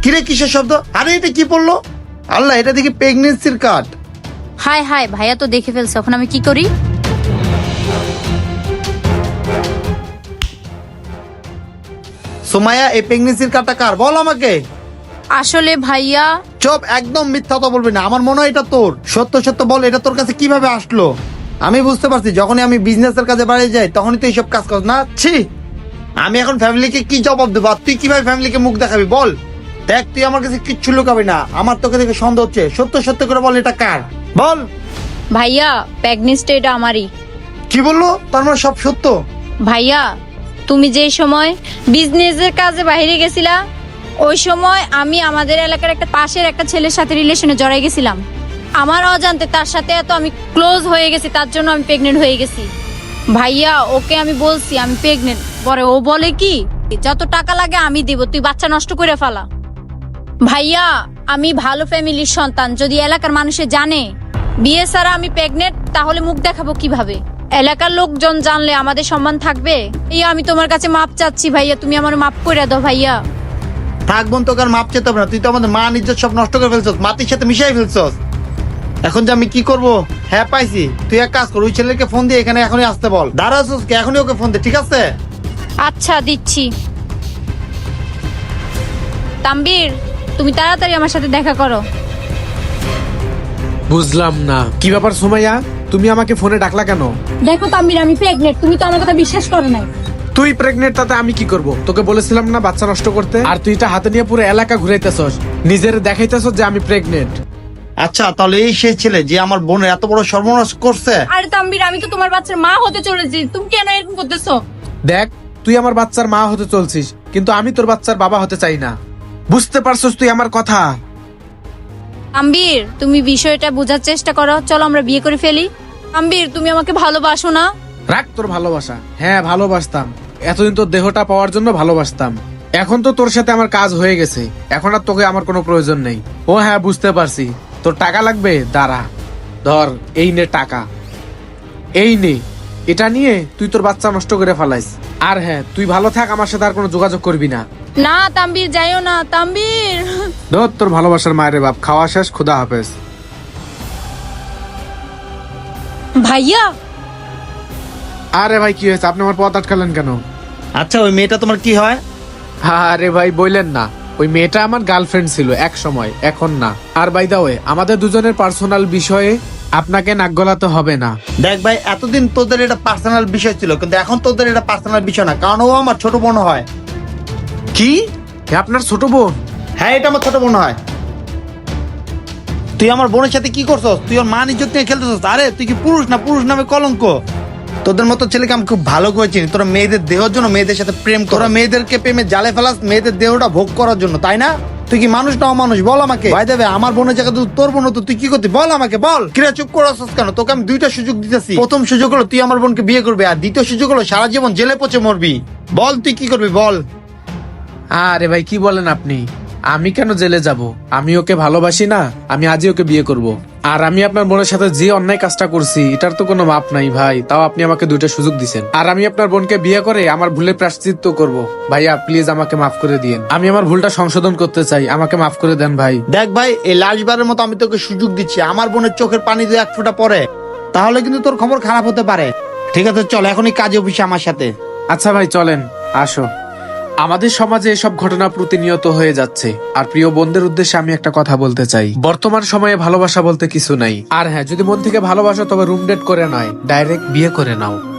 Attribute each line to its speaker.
Speaker 1: কিরে কিসের শব্দ? আরে এটা কি পড়লো? আল্লাহ, এটা দেখি প্রেগনেন্সির কার্ড।
Speaker 2: হাই হাই, ভাইয়া তো দেখে ফেলছে, এখন আমি কি করি?
Speaker 1: সোমায়া, এই প্রেগনেন্সির কার্ডটা কার? বল আমাকে।
Speaker 2: আসলে ভাইয়া,
Speaker 1: চুপ, একদম মিথ্যা কথা বলবি না। আমার মনে হয় এটা তোর। সত্য সত্য বল, এটা তোর কাছে কিভাবে আসলো? আমি বুঝতে পারছি, যখনই আমি বিজনেসের কাজে বাড়ি যাই তখনই তুই এইসব কাজ কর না। ছি, আমি এখন ফ্যামিলিকে কি জবাব দেবো? আর তুই কিভাবে ফ্যামিলিকে মুখ দেখাবি বল? দেখ, তুই আমার কাছে কিচ্ছু লুকাবি না। আমার তোকে দেখে সন্দেহ হচ্ছে। সত্য সত্য করে বল, এটা কার? বল।
Speaker 2: ভাইয়া প্রেগনেন্সিটা এটা আমারই।
Speaker 1: কি বললো? তার মানে সব সত্য?
Speaker 2: ভাইয়া, তুমি যে সময় বিজনেসের কাজে বাইরে গেছিলা, ওই সময় আমি আমাদের এলাকার একটা পাশের একটা ছেলের সাথে রিলেশনে জড়াই গেছিলাম। আমার অজান্তে তার সাথে এত আমি ক্লোজ হয়ে গেছি, তার জন্য আমি প্রেগনেন্ট হয়ে গেছি। ভাইয়া, ওকে আমি বলছি আমি প্রেগনেন্ট, পরে ও বলে কি যত টাকা লাগে আমি দিব, তুই বাচ্চা নষ্ট করে ফেলা। ভাইয়া, আমি ভালো ফ্যামিলির সন্তান, যদি এলাকার মানুষে জানে বিয়ে ছাড়া আমি প্রেগনেন্ট, তাহলে মুখ দেখাবো কিভাবে? এলাকার লোকজন জানলে আমাদের সম্মান থাকবে? আমি তোমার কাছে মাপ চাচ্ছি ভাইয়া, তুমি আমার মাপ করে দাও ভাইয়া।
Speaker 1: থাক বোন, তোকে আর মাপ চেতে হবে না। তুই তো আমাদের মা নিজের সব নষ্ট করে ফেলছস, মাটির সাথে মিশাই ফেলছস। এখন যে আমি কি করব? হ্যাঁ পাইছি, তুই এক কাজ কর, ওই ছেলেকে ফোন দিয়ে এখানে এখনই আসতে বল। দাঁড়াছস কে? এখনই ওকে ফোন দে, ঠিক আছে?
Speaker 2: আচ্ছা, দিচ্ছি। তাম্বির, তুমি তাড়াতাড়ি আমার সাথে দেখা করো।
Speaker 3: বুঝলাম না কি ব্যাপার সুমাইয়া, তুমি আমাকে ফোনে ডাকলা কেন?
Speaker 2: দেখো তাম্বির, আমি প্রেগনেন্ট, তুমি তো আমার কথা বিশ্বাস করো নাই।
Speaker 3: তুই প্রেগনেন্ট, তাতে আমি কি করব? তোকে বলেছিলাম না বাচ্চা নষ্ট করতে? আর তুই এটা হাতে নিয়ে পুরো এলাকা ঘুরাইতেছস, নিজের দেখাইতেছস যে আমি প্রেগনেন্ট।
Speaker 1: আচ্ছা, তাহলে এই সেই ছেলে যে আমার বোনের এত বড় সর্বনাশ করছে?
Speaker 2: আরে তাম্বির, আমি তো তোমার বাচ্চার মা হতে চলেছি, তুমি কেন এরকম করতেছো?
Speaker 3: দেখ, তুই আমার বাচ্চার মা হতে চলছিস, কিন্তু আমি তোর বাচ্চার বাবা হতে চাই না। বুঝতে পারছস তুই আমার কথা?
Speaker 2: তাম্বির, তুমি বিষয়টা বোঝার চেষ্টা করো, চলো আমরা বিয়ে করে ফেলি। তাম্বির, তুমি আমাকে ভালোবাসো না?
Speaker 3: রাখ তোর ভালোবাসা। হ্যাঁ, ভালোবাসতাম। এতদিন তোর দেহটা পাওয়ার জন্য ভালোবাসতাম। এখন তো তোর সাথে আমার কাজ হয়ে গেছে, এখন আর তোকে আমার কোনো প্রয়োজন নেই। ও হ্যাঁ, বুঝতে পারছি। তোর টাকা লাগবে? দাঁড়া, ধর, এই নে টাকা, এই নে। এটা নিয়ে তুই তোর বাচ্চা নষ্ট করে ফেলাইস। আর হ্যাঁ, তুই ভালো থাক, আমার সাথে আর কোনো যোগাযোগ করবি না।
Speaker 2: না তাম্বির, যাইও না তাম্বির।
Speaker 3: ধর তোর ভালোবাসার মায়ের বাপ। খাওয়া শেষ, খুদা হাফেজ।
Speaker 2: ভাইয়া,
Speaker 3: আরে ভাই, কি হয়েছে? আপনি আমার পথ আটকালেন কেন?
Speaker 1: আচ্ছা, ওই মেয়েটা তোমার কি হয়?
Speaker 3: আরে ভাই, বললেন না, ওই মেয়েটা আমার গার্লফ্রেন্ড ছিল এক সময়, এখন না। আর বাই দা ওয়ে, আমাদের দুজনের পার্সোনাল বিষয়ে আপনাকে নাক গলাতে হবে না।
Speaker 1: দেখ ভাই, এতদিন তোদের এটা পার্সোনাল বিষয় ছিল, কিন্তু এখন তোদের এটা পার্সোনাল বিষয় না, কারণ ও আমার ছোট বোন হয়।
Speaker 3: কি? আপনার ছোট বোন?
Speaker 1: হ্যাঁ, এটা আমার ছোট বোন হয়। তুই আমার বোনের সাথে কি করছস? তুই ওর মান ইজ্জত নিয়ে খেলতেছস। আরে তুই কি পুরুষ না? পুরুষ নামে কলঙ্ক। তোদের মতো ছেলেকে আমি খুব ভালো করে চিনি। তোরা মেয়েদের দেহের জন্য মেয়েদের সাথে প্রেম কর। তোরা মেয়েদেরকে প্রেমে জালে ফেলাস মেয়েদের দেহটা ভোগ করার জন্য, তাই না? তুই কি মানুষ না অমানুষ? বল আমাকে। ভাই দেবে, আমার বোনের জায়গায় তোর বোন তো তুই কি করতি? বল আমাকে, বল। কিরা চুপ করছস কেন? তোকে আমি দুইটা সুযোগ দিতেছি। প্রথম সুযোগ হলো তুই আমার বোনকে বিয়ে করবি, আর দ্বিতীয় সুযোগ হলো সারা জীবন জেলে পচে মরবি। বল তুই কি করবি, বল।
Speaker 3: আরে ভাই, কি বলেন আপনি? আমি কেন জেলে যাব? আমি ওকে ভালোবাসি না? আমি আজই ওকে বিয়ে করব। আর আমি আপনার বোনের সাথে যে অন্যায় কাজটা করছি, এটার তো কোনো মাপ নাই ভাই। তাও আপনি আমাকে দুইটা সুযোগ দিছেন, আর আমি আপনার বোনকে বিয়ে করে আমার ভুলের প্রায়শ্চিত্ত করব। ভাইয়া প্লিজ আমাকে মাফ করে দিয়েন। আমি আমার ভুলটা সংশোধন করতে চাই, আমাকে মাফ করে দেন ভাই।
Speaker 1: দেখ ভাই, এই লাস্টবারের মতো আমি তোকে সুযোগ দিচ্ছি। আমার বোনের চোখের পানি দিয়ে এক ফোঁটা পরে, তাহলে কিন্তু তোর খবর খারাপ হতে পারে। ঠিক আছে, চল এখনই কাজে অফিসে আমার সাথে।
Speaker 3: আচ্ছা ভাই, চলেন, আসো। আমাদের সমাজে এসব ঘটনা প্রতিনিয়ত হয়ে যাচ্ছে। আর প্রিয় বোনদের উদ্দেশ্যে আমি একটা কথা বলতে চাই, বর্তমান সময়ে ভালোবাসা বলতে কিছু নাই। আর হ্যাঁ, যদি মন থেকে ভালোবাসো তবে রুম ডেট করে নয়, ডাইরেক্ট বিয়ে করে নাও।